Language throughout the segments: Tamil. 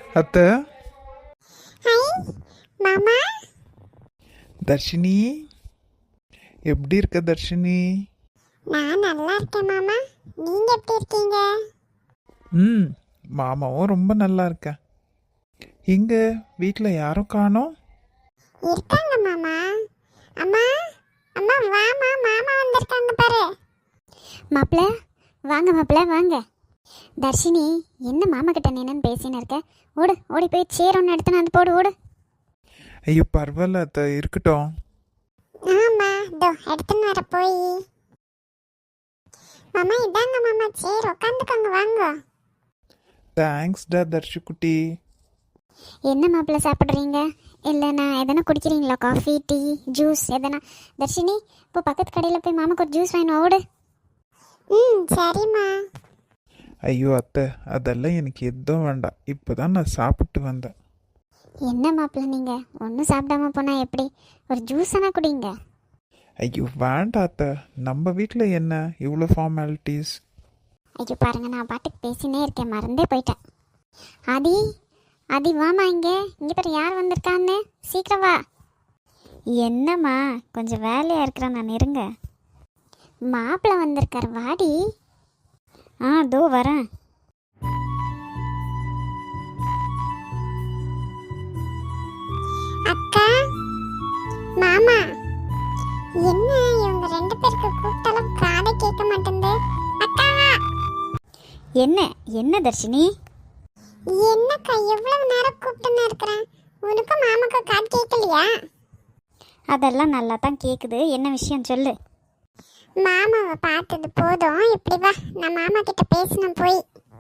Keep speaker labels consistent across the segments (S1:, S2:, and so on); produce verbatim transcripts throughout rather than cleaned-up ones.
S1: அத்தை.
S2: ஹாய் மாமா.
S1: தர்ஷினி, எப்படி இருக்க தர்ஷினி?
S2: நான் நல்லா இருக்கேன் மாமா. நீங்க எப்படி இருக்கீங்க?
S1: ம், மாமாவும் ரொம்ப நல்லா இருக்கேன். இங்க வீட்டில் யாரும் காணோம்?
S2: இருக்காங்க மாமா. அம்மா அம்மா வாமா, மாமா வந்திருக்காங்க பாரு.
S3: மாப்பிள்ள வாங்க, மாப்பிள்ள வாங்க. தர்ஷினி, என்ன மாமா கிட்ட நின்னு பேசின்னு இருக்க? ஓடு, ஓடி போய் சேர் ஒன்று எடுத்து வந்து போடு, ஓடு.
S1: ஐயோ பரவாயில்ல அத்தை, இருக்கட்டும்.
S2: ஆமா, இதோ எடுத்துன்னு வர போய். மாமா இதாங்க மாமா சேர், உட்காந்துக்கோங்க வாங்க.
S1: தேங்க்ஸ் டா தர்ஷி குட்டி.
S3: என்ன மாப்பிள்ள சாப்பிட்றீங்க? இல்லை நான் எதனா குடிக்கிறீங்களா? காஃபி, டீ, ஜூஸ் எதனா? தர்ஷினி, இப்போ பக்கத்து கடையில் போய் மாமாக்கு ஒரு ஜூஸ் வாங்கினு ஓடு.
S2: ம் சரிம்மா.
S1: ஐயோ அத்தை, அதெல்லாம் எனக்கு எதுவும் வேண்டாம். இப்போ தான் நான் சாப்பிட்டு வந்தேன்.
S3: என்ன மாப்பிள்ள நீங்கள் ஒன்றும் சாப்பிடாம போனால் எப்படி? ஒரு ஜூஸ் ஆனால் குடிங்க.
S1: ஐயோ வேண்டாம் அத்தை, நம்ம வீட்டில் என்ன இவ்வளோ ஃபார்மாலிட்டிஸ்?
S3: ஐயோ பாருங்க, நான் பாட்டுக்கு பேசினே இருக்கேன், மறந்தே போயிட்டேன். ஆதி, ஆதி வாமா, இங்கே இங்கே பாரு யார் வந்திருக்கான்னு, சீக்கிரம் வா. என்னம்மா கொஞ்சம் வேலையாக இருக்கிறேன், நான் இருங்க. மாப்பிள்ளை வந்திருக்கார், வாடி. ஆ தோ வரேன்.
S2: அக்கா மாமா, என்ன இவங்க ரெண்டு பேருக்கு கூப்பிட்டாலும் காதை கேட்க மாட்டேங்குது. அக்கா
S3: என்ன என்ன தர்ஷினி?
S2: என்னக்கா எவ்வளவு நேரம் கூப்பிட்டுன்னு இருக்கிறேன், உனக்கும் மாமாக்கும் காது கேட்கலையா?
S3: அதெல்லாம் நல்லா தான் கேட்குது, என்ன விஷயம் சொல்லு.
S2: மாமாவை பார்த்தது போதும், இப்படி வா, நான் மாமா கிட்ட பேசணும் போய்.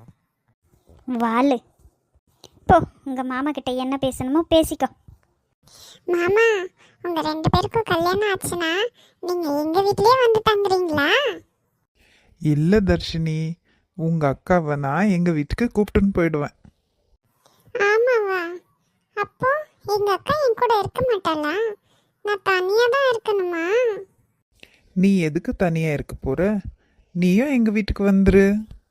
S3: வாளு போ, உங்கள் மாமா கிட்ட என்ன பேசணுமோ பேசிக்கோ.
S2: மாமா, உங்க ரெண்டு பேருக்கும் கல்யாணம் ஆச்சுன்னா நீங்க எங்க வீட்லயே வந்து தங்குறீங்களா?
S1: இல்லை தர்ஷினி, உங்கள் அக்காவை நான் எங்கள் வீட்டுக்கு கூப்பிட்டுன்னு போயிடுவேன்.
S2: ஆமாவா? அப்போ எங்க அக்கா என் கூட இருக்க மாட்டாளா? நான் தனியா தான் இருக்கணுமா?
S1: நீ எதுக்கு தனியாக இருக்க போகிற? நீயும் எங்கள் வீட்டுக்கு வந்துரு.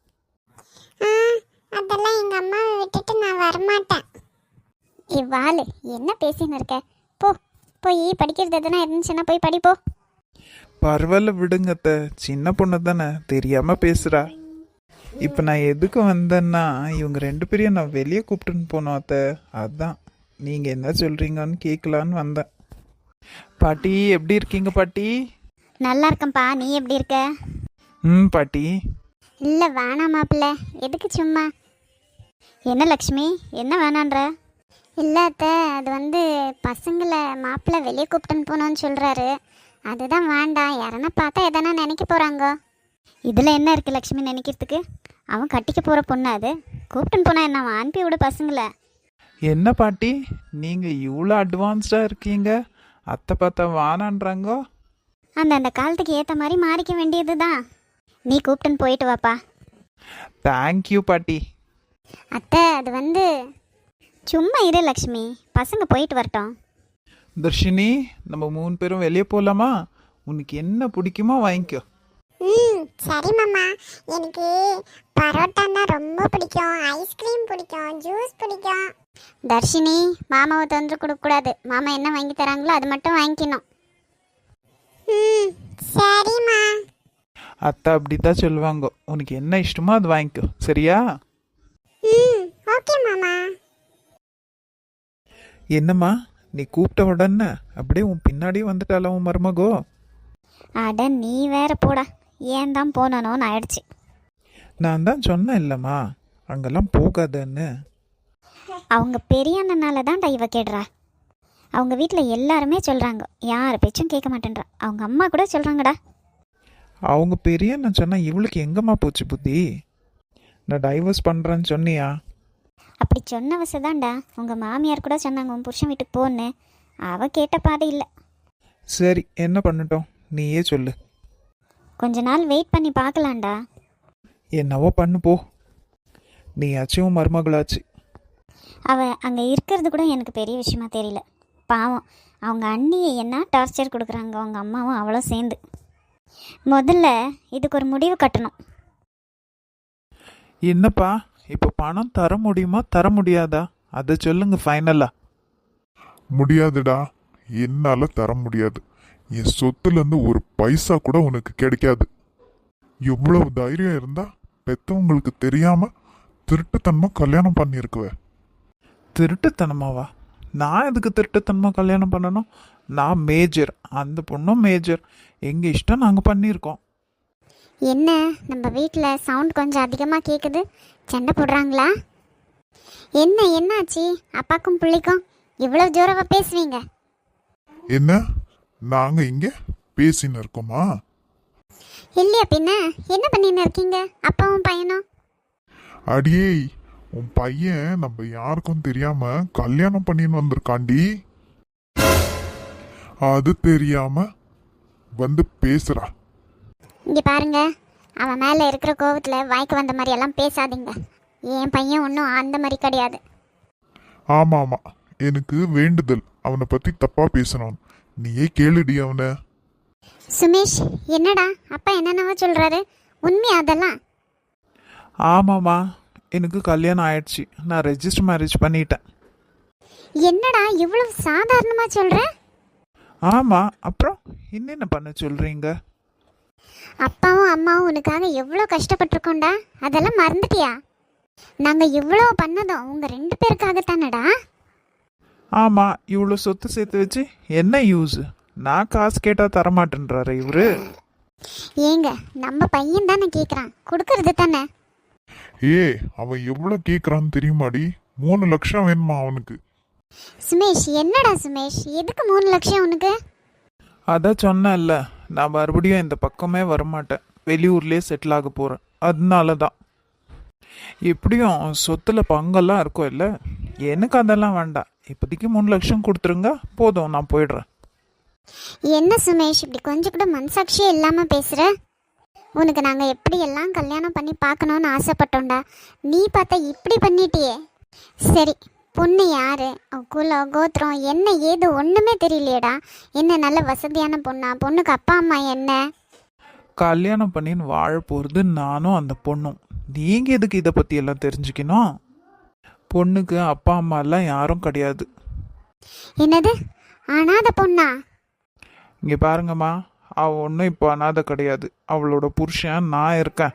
S2: ஆ, அதெல்லாம் எங்க அம்மாவை விட்டுட்டு நான் வரமாட்டேன்.
S3: ஏ வாளு, என்ன பேசின்னு இருக்க? போ, போய் படிக்கிறது எதுனா இருந்துச்சுன்னா போய் படிப்போ.
S1: பரவாயில்ல விடுங்க அத்தை, சின்ன பொண்ணு தானே, தெரியாமல் பேசுகிறா. இப்போ நான் எதுக்கு வந்தேன்னா, இவங்க ரெண்டு பேரையும் நான் வெளியே கூப்பிட்டுன்னு போனோம் அத்தை. அதான் நீங்கள் என்ன சொல்கிறீங்கன்னு கேட்கலான்னு வந்தேன். பாட்டி எப்படி இருக்கீங்க பாட்டி?
S3: நல்லா இருக்கேன்ப்பா, நீ எப்படி இருக்க?
S1: ம் பாட்டி.
S3: இல்லை வேணாம் மாப்பிள்ள, எதுக்கு சும்மா? என்ன லக்ஷ்மி, என்ன வேணான்ற? இல்லை அத்தை, அது வந்து பசங்களை மாப்பிள்ளை வெளியே கூப்பிட்டுன்னு போனோன்னு சொல்கிறாரு, அதுதான் வேண்டாம். யாரன்னா பார்த்தா எதனா நினைக்க போகிறாங்க. இதில் என்ன இருக்குது லக்ஷ்மி நினைக்கிறதுக்கு? அவன் கட்டிக்க போகிற பொண்ணு, அது கூப்பிட்டுன்னு போனால் என்ன, அவன் அனுப்பி விடு பசங்களை.
S1: என்ன பாட்டி நீங்கள் இவ்வளோ அட்வான்ஸ்டாக இருக்கீங்க? அத்தை பார்த்தா வானான்றாங்கோ.
S3: அந்த அந்த காலத்துக்கு ஏற்ற மாதிரி மாறிக்க வேண்டியது தான். நீ கூப்பிட்டுன்னு போயிட்டு வாப்பா.
S1: தேங்க்யூ பாட்டி.
S3: அத்தை, அது வந்து சும்மா இரு லக்ஷ்மி, பசங்க போயிட்டு வரட்டும்.
S1: தர்ஷினி, நம்ம மூணு பேரும் வெளியே போகலாமா? உனக்கு என்ன பிடிக்குமோ வாங்கிக்கோ.
S2: ம் சரி மாமா. எனக்கு பரோட்டான்னா ரொம்ப பிடிக்கும், ஐஸ்கிரீம் பிடிக்கும், ஜூஸ் பிடிக்கும்.
S3: தர்ஷினி, மாமாவை தொந்தரவு கொடுக்கக்கூடாது. மாமா என்ன வாங்கி தராங்களோ அது மட்டும் வாங்கிக்கணும்.
S2: ம் சரிம்மா.
S1: அத்தை அப்படி தான் சொல்லுவாங்க, உனக்கு என்ன இஷ்டமோ அது வாங்கிக்கோ, சரியா?
S2: ம் ஓகே மாமா.
S1: என்னம்மா நீ கூப்பிட்ட உடனே அப்படியே உன் பின்னாடியே வந்துட்டால உன் மருமகோ?
S3: அட நீ வேற போடா, ஏன் தான் போனோன்னு ஆயிடுச்சு.
S1: நான் தான் சொன்னேன் இல்லைம்மா, அங்கெல்லாம் போகாதன்னு.
S3: அவங்க பெரிய அண்ணனால தான்டா இவ கேடுறா. அவங்க வீட்டில் எல்லாருமே சொல்கிறாங்க, யார் பேச்சும் கேட்க மாட்டேன்றா. அவங்க அம்மா கூட சொல்கிறாங்கடா.
S1: அவங்க பெரிய நான் சொன்னா இவளுக்கு எங்கம்மா போச்சு புத்தி? நான் டைவர்ஸ் பண்ணுறேன்னு சொன்னியா?
S3: அப்படி சொன்ன வசதான்டா. உங்கள் மாமியார் கூட சொன்னாங்க உன் புருஷன் வீட்டுக்கு போன்னு. அவள் கேட்ட பாதை இல்லை.
S1: சரி என்ன பண்ணட்டும், நீயே சொல்லு.
S3: கொஞ்ச நாள் வெயிட் பண்ணி பார்க்கலாம்டா.
S1: என்னவோ பண்ணு போ, நீயாச்சும் மருமகளாச்சு.
S3: அவள் அங்கே இருக்கிறது கூட எனக்கு பெரிய விஷயமா தெரியல. பாவம், அவங்க அண்ணியை என்ன டார்ச்சர் கொடுக்குறாங்க, அவங்க அம்மாவும் அவளும் சேர்ந்து. முதல்ல இதுக்கு ஒரு முடிவு கட்டணும்.
S1: என்னப்பா இப்போ பணம் தர முடியுமா தர முடியாதா? அதை சொல்லுங்க ஃபைனலா.
S4: முடியாதுடா, என்னால தர முடியாது. என் சொத்துல இருந்து ஒரு பைசா கூட உனக்கு கிடைக்காது. எவ்வளவு தைரியம் இருந்தா பெத்தவங்களுக்கு தெரியாம திருட்டுத்தனமா கல்யாணம் பண்ணிருக்குவ.
S1: திருட்டுத்தனமாவா? நான் எதுக்கு திருட்டுத்தனமா கல்யாணம் பண்ணணும்? நான் மேஜர், அந்த பொண்ணும் மேஜர். எங்க இஷ்டம் நாங்கள் பண்ணியிருக்கோம்.
S3: என்ன நம்ம வீட்டில் சவுண்ட் கொஞ்சம் அதிகமாக கேட்குது, சண்டை போடுறாங்களா என்ன? என்னாச்சு அப்பாக்கும் பிள்ளைக்கும் இவ்வளோ ஜோரவா பேசுவீங்க?
S4: என்ன, நாங்க இங்க பேசின்னு இருக்கோமா?
S3: இல்லையா பின்ன என்ன பண்ணின்னு இருக்கீங்க அப்பாவும் பையனும்?
S4: அடியே, உன் பையன் நம்ம யாருக்கும் தெரியாம கல்யாணம் பண்ணின்னு வந்திருக்காண்டி. அது தெரியாம வந்து பேசுறா.
S3: இங்கே பாருங்க, அவன் மேலே இருக்கிற கோவத்தில் வாய்க்கு வந்த மாதிரி எல்லாம் பேசாதீங்க. என் பையன் ஒன்றும் அந்த மாதிரி கிடையாது.
S4: ஆமா ஆமா, எனக்கு வேண்டுதல் அவனை பத்தி தப்பா பேசணும். நீயே கேளுடி அவனை.
S3: சுமேஷ், என்னடா அப்பா என்னென்னவோ சொல்கிறாரு, உண்மை அதெல்லாம்?
S1: ஆமாம்மா, எனக்கு கல்யாணம் ஆயிடுச்சு. நான் ரெஜிஸ்டர் மேரேஜ் பண்ணிட்டேன்.
S3: என்னடா இவ்வளோ சாதாரணமாக சொல்கிற?
S1: ஆமாம், அப்புறம் என்னென்ன பண்ண சொல்கிறீங்க?
S3: அப்பாவும் அம்மாவும் உனக்காக எவ்வளோ கஷ்டப்பட்டிருக்கோண்டா, அதெல்லாம் மறந்துட்டியா? நாங்கள் இவ்வளோ பண்ணதும் உங்கள் ரெண்டு பேருக்காகத்தானடா.
S1: ஆமாம், இவ்வளோ சொத்து சேர்த்து வச்சு என்ன யூஸ்? நான் காசு கேட்டால் தரமாட்டேன்றாரு இவரு.
S3: ஏங்க, நம்ம பையன் தானே கேட்குறான், கொடுக்கறது தானே.
S4: ஏ, அவன் எவ்வளவு கேக்குறான்னு தெரியுமாடி? மூணு லட்சம் வேணுமா அவனுக்கு.
S3: சுமேஷ், என்னடா சுமேஷ், எதுக்கு மூணு லட்சம் உனக்கு?
S1: அதான் சொன்னேன்ல, நான் மறுபடியும் இந்த பக்கமே வரமாட்டேன். வெளியூர்லேயே செட்டில் ஆக போகிறேன். அதனால தான். எப்படியும் சொத்துல பங்கெல்லாம் இருக்கும் இல்லை, எனக்கு அதெல்லாம் வேண்டாம். இப்போதைக்கு மூணு லட்சம் கொடுத்துருங்க போதும், நான் போயிடுறேன்.
S3: என்ன சுமேஷ், இப்படி கொஞ்சம் கூட மனசாட்சியே இல்லாமல் பேசுகிற? உனக்கு நாங்கள் எப்படி எல்லாம் கல்யாணம் பண்ணி பார்க்கணுன்னு ஆசைப்பட்டோம்டா, நீ பார்த்தா இப்படி பண்ணிட்டியே. சரி, பொண்ணு யாரு, அவ குலம் கோத்திரம் என்ன ஏது ஒன்றுமே தெரியலையேடா. என்ன நல்ல வசதியான பொண்ணா? பொண்ணுக்கு அப்பா அம்மா என்ன?
S1: கல்யாணம் பண்ணின்னு வாழ போகிறது நானும் அந்த பொண்ணும். நீங்கள் எதுக்கு இதை பற்றி எல்லாம் தெரிஞ்சுக்கணும்? பொண்ணுக்கு அப்பா அம்மா எல்லாம் யாரும் கிடையாது.
S3: என்னது, அனாத பொண்ணா?
S1: இங்கே பாருங்கம்மா, அவள் ஒன்றும் இப்போ அனாதை கிடையாது. அவளோட புருஷன் நான் இருக்கேன்.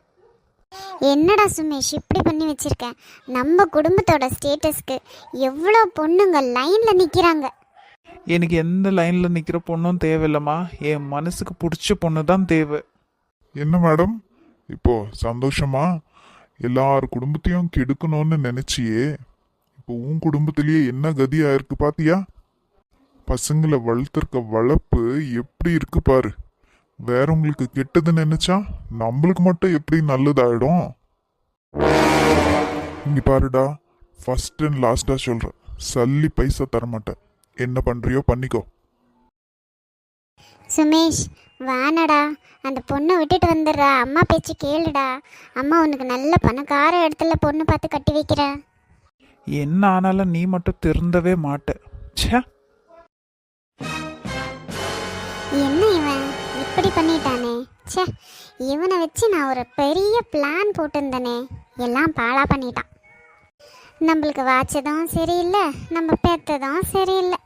S3: என்னடா சுமேஷ் இப்படி பண்ணி வச்சிருக்கேன்? நம்ம குடும்பத்தோட ஸ்டேட்டஸ்க்கு எவ்வளோ பொண்ணுங்க லைனில் நிற்கிறாங்க.
S1: எனக்கு எந்த லைனில் நிற்கிற பொண்ணும் தேவையில்லம்மா, என் மனசுக்கு பிடிச்ச பொண்ணு தான் தேவை.
S4: என்ன மேடம், இப்போ சந்தோஷமா? எல்லார் குடும்பத்தையும் கெடுக்கணும்னு நினைச்சியே, இப்போ உன் குடும்பத்திலேயே என்ன கதி ஆயிருக்கு பாத்தியா? பசங்களை வளர்த்துருக்க வளர்ப்பு எப்படி இருக்கு பாரு. வேறவங்களுக்கு கெட்டது நினைச்சா நம்மளுக்கு மட்டும் எப்படி நல்லதாயிடும்? இங்க பாருடா, ஃபர்ஸ்ட் அண்ட் லாஸ்டா சொல்றேன், சல்லி பைசா தரமாட்டேன். என்ன பண்றியோ பண்ணிக்கோ.
S3: சுமேஷ், வேணடா, அந்த பொண்ணை விட்டுட்டு வந்துடுறா. அம்மா பேச்சு கேளுடா. அம்மா உனக்கு நல்ல பணக்கார இடத்துல பொண்ணு பார்த்து கட்டி வைக்கிறேன்.
S1: என்ன ஆனாலும் நீ மட்டும் திருந்தவே மாட்ட. ச்சே,
S3: என்ன இவன் இப்படி பண்ணிட்டானே? ச்சே, இவனை வச்சு நான் ஒரு பெரிய பிளான் போட்டிருந்தேனே, எல்லாம் பாழா பண்ணிட்டான். நம்மளுக்கு வாச்சதும் சரியில்லை, நம்ம பெற்றதும் சரியில்லை.